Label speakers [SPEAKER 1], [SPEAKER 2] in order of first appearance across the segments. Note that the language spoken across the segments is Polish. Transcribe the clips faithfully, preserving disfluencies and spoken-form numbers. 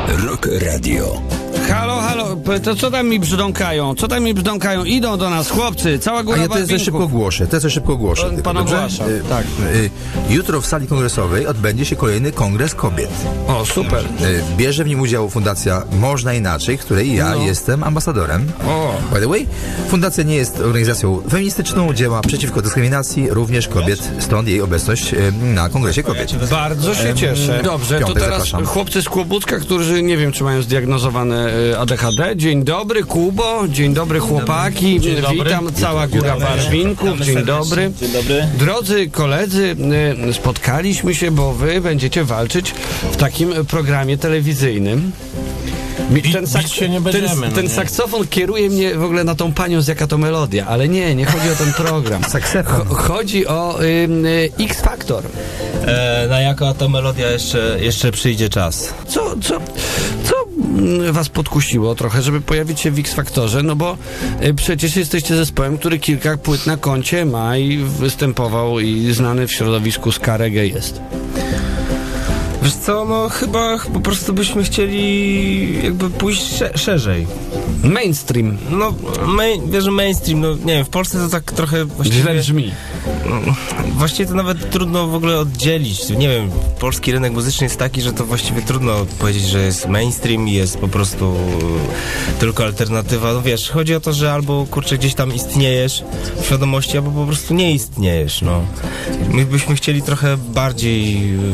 [SPEAKER 1] Rock Radio.
[SPEAKER 2] Halo, halo, to co tam mi brzdąkają? Co tam mi brzdąkają? Idą do nas chłopcy, cała góra
[SPEAKER 3] A ja to jest szybko ogłoszę, to jest szybko ogłoszę.
[SPEAKER 2] Pan, pan ogłasza,
[SPEAKER 3] y,
[SPEAKER 2] tak.
[SPEAKER 3] Y, jutro w sali kongresowej odbędzie się kolejny kongres kobiet.
[SPEAKER 2] O, super.
[SPEAKER 3] Y, bierze w nim udział fundacja Można Inaczej, której ja
[SPEAKER 2] No.
[SPEAKER 3] jestem ambasadorem.
[SPEAKER 2] O.
[SPEAKER 3] By the way, fundacja nie jest organizacją feministyczną, działa przeciwko dyskryminacji również kobiet, stąd jej obecność y, na kongresie kobiet.
[SPEAKER 2] Bardzo się cieszę. Dobrze, to
[SPEAKER 3] piątek
[SPEAKER 2] teraz
[SPEAKER 3] zapraszam.
[SPEAKER 2] chłopcy z Kłobucka, którzy nie wiem, czy mają zdiagnozowane y, A D H D. Dzień dobry, Kubo. Dzień dobry, chłopaki.
[SPEAKER 4] Dzień dobry.
[SPEAKER 2] Witam, cała góra barwinków. Dzień dobry.
[SPEAKER 4] Dzień dobry.
[SPEAKER 2] Drodzy koledzy, y, spotkaliśmy się, bo wy będziecie walczyć w takim programie telewizyjnym. Mi-
[SPEAKER 4] Bi- bić się nie będziemy,
[SPEAKER 2] ten,
[SPEAKER 4] no
[SPEAKER 2] ten
[SPEAKER 4] nie.
[SPEAKER 2] saksofon kieruje mnie w ogóle na tą panią, z jaka to melodia, ale nie, nie chodzi o ten program.
[SPEAKER 3] Saksofon.
[SPEAKER 2] Cho- chodzi o y, y, X Factor.
[SPEAKER 4] E, na jaka to melodia jeszcze, jeszcze przyjdzie czas?
[SPEAKER 2] Co, co, co mm, was podkusiło trochę, żeby pojawić się w X Factorze? No bo y, przecież jesteście zespołem, który kilka płyt na koncie ma i występował i znany w środowisku ska reggae jest.
[SPEAKER 4] Wiesz co, no chyba po prostu byśmy chcieli jakby pójść sze- szerzej.
[SPEAKER 2] Mainstream.
[SPEAKER 4] No, main, wiesz, że mainstream, no nie wiem, w Polsce to tak trochę właściwie...
[SPEAKER 2] Źle brzmi.
[SPEAKER 4] No, właściwie to nawet trudno w ogóle oddzielić. Nie wiem, polski rynek muzyczny jest taki, że to właściwie trudno powiedzieć, że jest mainstream i jest po prostu e, tylko alternatywa. No wiesz, chodzi o to, że albo kurczę gdzieś tam istniejesz w świadomości, albo po prostu nie istniejesz, no. My byśmy chcieli trochę bardziej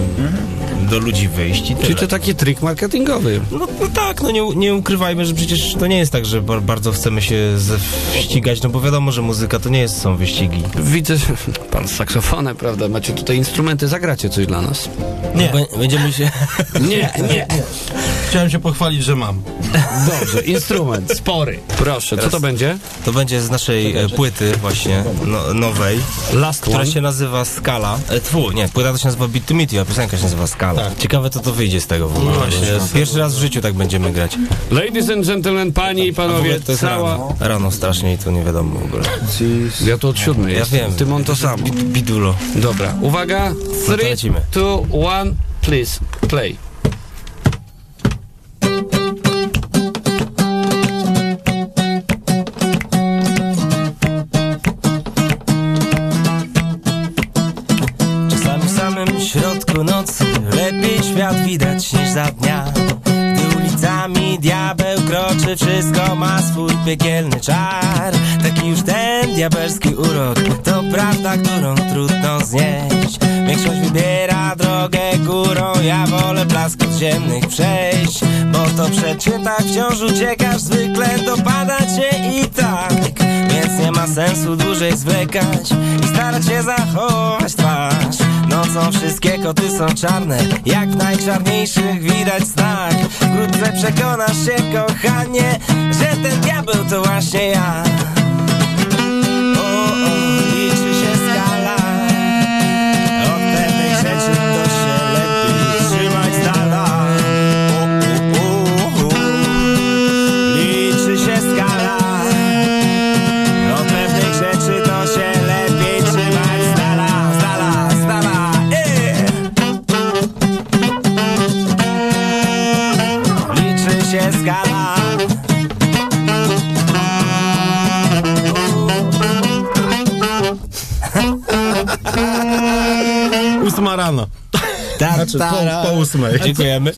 [SPEAKER 4] e, do ludzi wyjść i
[SPEAKER 2] Czyli
[SPEAKER 4] tyle.
[SPEAKER 2] to taki trik marketingowy.
[SPEAKER 4] No, no tak, no nie, nie ukrywajmy, że przecież to nie jest tak, że ba- bardzo chcemy się ze- ścigać, no bo wiadomo, że muzyka to nie jest, są wyścigi.
[SPEAKER 2] Widzę, że pan z saksofonem, prawda? Macie tutaj instrumenty, zagracie coś dla nas.
[SPEAKER 4] Nie. Bę- będziemy się...
[SPEAKER 2] Nie, nie.
[SPEAKER 5] Chciałem się pochwalić, że mam.
[SPEAKER 2] Dobrze, instrument, spory. Proszę, co to będzie?
[SPEAKER 4] To będzie z naszej e, płyty właśnie, no, nowej,
[SPEAKER 2] Last
[SPEAKER 4] która
[SPEAKER 2] one.
[SPEAKER 4] się nazywa Skala. E, tfu, nie, płyta to się nazywa Beat to Meet You, a piosenka się nazywa Skala.
[SPEAKER 5] Tak.
[SPEAKER 4] Ciekawe, to to wyjdzie z tego w ogóle.
[SPEAKER 5] No właśnie.
[SPEAKER 4] Pierwszy raz w życiu tak będziemy grać.
[SPEAKER 2] Ladies and gentlemen, panie i
[SPEAKER 4] A w ogóle
[SPEAKER 2] panowie,
[SPEAKER 4] to jest
[SPEAKER 2] cała...
[SPEAKER 4] rano. Rano strasznie i to nie wiadomo w ogóle.
[SPEAKER 2] Ja tu od siódmej
[SPEAKER 4] Ja
[SPEAKER 2] jest.
[SPEAKER 4] wiem.
[SPEAKER 2] Ty mam to samo.
[SPEAKER 4] Bid- Bidulo.
[SPEAKER 2] Dobra, uwaga.
[SPEAKER 4] to
[SPEAKER 2] Three,
[SPEAKER 4] lecimy.
[SPEAKER 2] two, one, please, play.
[SPEAKER 4] Czasami w samym środku nocy lepiej świat widać niż za dnia. Gdy ulicami diabeł kroczy, wszystko ma swój piekielny czar. Taki już ten diabelski urok, to prawda, którą trudno znieść. Większość wybiera drogę górą, ja wolę blask podziemnych przejść. Bo to przecie tak wciąż uciekasz, zwykle dopada cię i tak. Więc nie ma sensu dłużej zwlekać i starać się zachować twarz. Nocą wszystkie koty są czarne, jak w najczarniejszych widać znak. Wkrótce przekonasz się, kochanie, że ten diabeł to właśnie ja. O, o, liczy się skala, od pewnej rzeczy to się lepiej trzymać z dala. O, o, o, o. Liczy się skala, od pewnych rzeczy to się lepiej trzymać z dala, z dala, z dala. Ej! Liczy się skala.
[SPEAKER 5] Ósma rano.
[SPEAKER 4] Ta,
[SPEAKER 5] Znaczy po, po ósmej.
[SPEAKER 4] Dziękujemy.